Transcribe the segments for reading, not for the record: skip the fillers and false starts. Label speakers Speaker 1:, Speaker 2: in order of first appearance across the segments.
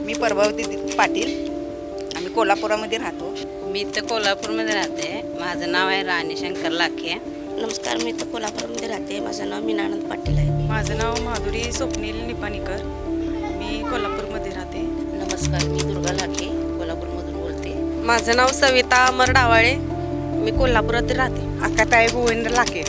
Speaker 1: मी प्रभावती पाटील. आम्ही कोल्हापुरामध्ये राहतो.
Speaker 2: मी तर कोल्हापूरमध्ये राहते. माझं नाव आहे राणी शंकर लाखे.
Speaker 3: नमस्कार, मी तर कोल्हापूरमध्ये राहते. माझं नाव मीनानंद पाटील आहे.
Speaker 4: माझं नाव माधुरी स्वप्नील निपाणीकर. मी कोल्हापूरमध्ये राहते.
Speaker 3: नमस्कार, मी दुर्गा लाखे कोल्हापूरमधून बोलते.
Speaker 5: माझं नाव सविता अमर डावाळे. मी कोल्हापुरात राहते.
Speaker 1: अक्काताई गोविंद लाके.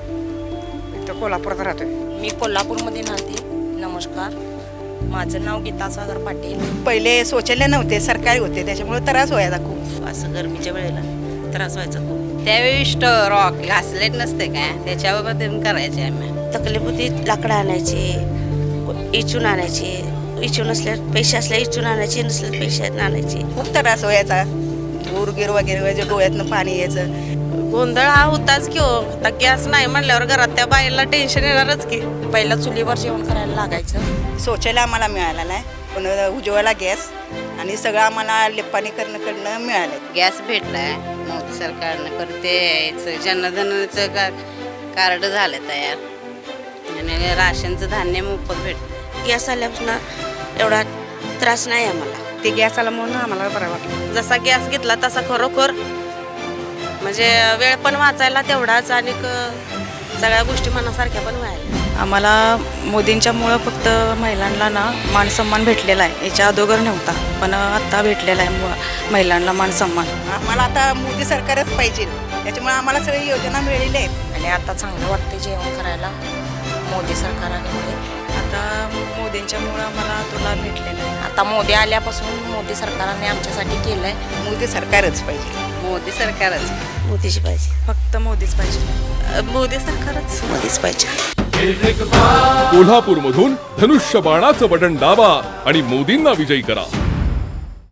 Speaker 1: इथं कोल्हापुरात राहतोय.
Speaker 3: मी कोल्हापूरमध्ये राहते. नमस्कार, माझं नाव गीता सागर पाटील.
Speaker 1: पहिले शौचालय नव्हते, सरकारी होते, त्याच्यामुळे त्रास व्हायचा खूप.
Speaker 3: असं गरमीच्या वेळेला त्रास व्हायचा खूप.
Speaker 2: त्यावेळी रॉक घासलेट नसते काय, त्याच्यावर करायचे आम्ही.
Speaker 3: तकलीफ होती. लाकडं आणायचे, इचून आणायचे. इचून असल्या पैसे असल्या इचून आणायचे, नसल्या पैसे आणायचे.
Speaker 1: खूप त्रास व्हायचा. गुरगीर वगैरे व्हायचं, डोळ्यातनं पाणी यायचं.
Speaker 5: गोंधळ हा होताच की हो. आता गॅस नाही म्हणल्यावर घरात त्या बाईला टेन्शन येणारच की. पहिला चुलीवर जेवण करायला लागायचं.
Speaker 1: शौचालय आम्हाला मिळालं नाही, पण उज्ज्वला गॅस आणि सगळं आम्हाला लिपाणी करणं मिळालं.
Speaker 2: गॅस भेटलाय मोदी सरकारनं, करते जनधनचं कार्ड झालं तयार आणि राशनचं धान्य मोफत भेटतं.
Speaker 3: गॅस आल्यापासून एवढा त्रास नाही आम्हाला.
Speaker 4: ते गॅस आला म्हणून आम्हाला बरं वाटलं.
Speaker 5: जसा गॅस घेतला तसा खरोखर म्हणजे वेळ पण वाचायला तेवढाच आणि सगळ्या गोष्टी मनासारख्या पण व्हायला.
Speaker 4: आम्हाला मोदींच्यामुळं फक्त महिलांना ना मान सन्मान भेटलेला आहे. याच्या अगोदर नव्हता, पण आत्ता भेटलेला आहे महिलांना मान सन्मान.
Speaker 1: आम्हाला आता मोदी सरकारच पाहिजे, त्याच्यामुळे आम्हाला सगळी योजना मिळालेल्या आहेत.
Speaker 6: आणि आता चांगलं वाटते जेवण करायला मोदी सरकारमुळे.
Speaker 4: आता मोदींच्यामुळं आम्हाला तो लाभ भेटलेला आहे.
Speaker 6: आता मोदी आल्यापासून मोदी सरकारने आमच्यासाठी केलं आहे.
Speaker 1: मोदी सरकारच पाहिजे.
Speaker 2: मोदी सरकारच.
Speaker 3: मोदीची पाहिजे.
Speaker 4: फक्त मोदीच पाहिजे.
Speaker 5: मोदी सरकारच.
Speaker 3: मोदीच पाहिजे.
Speaker 7: कोल्हापूरमधून धनुष्यबाणाचं बटन दाबा आणि मोदींना विजयी करा.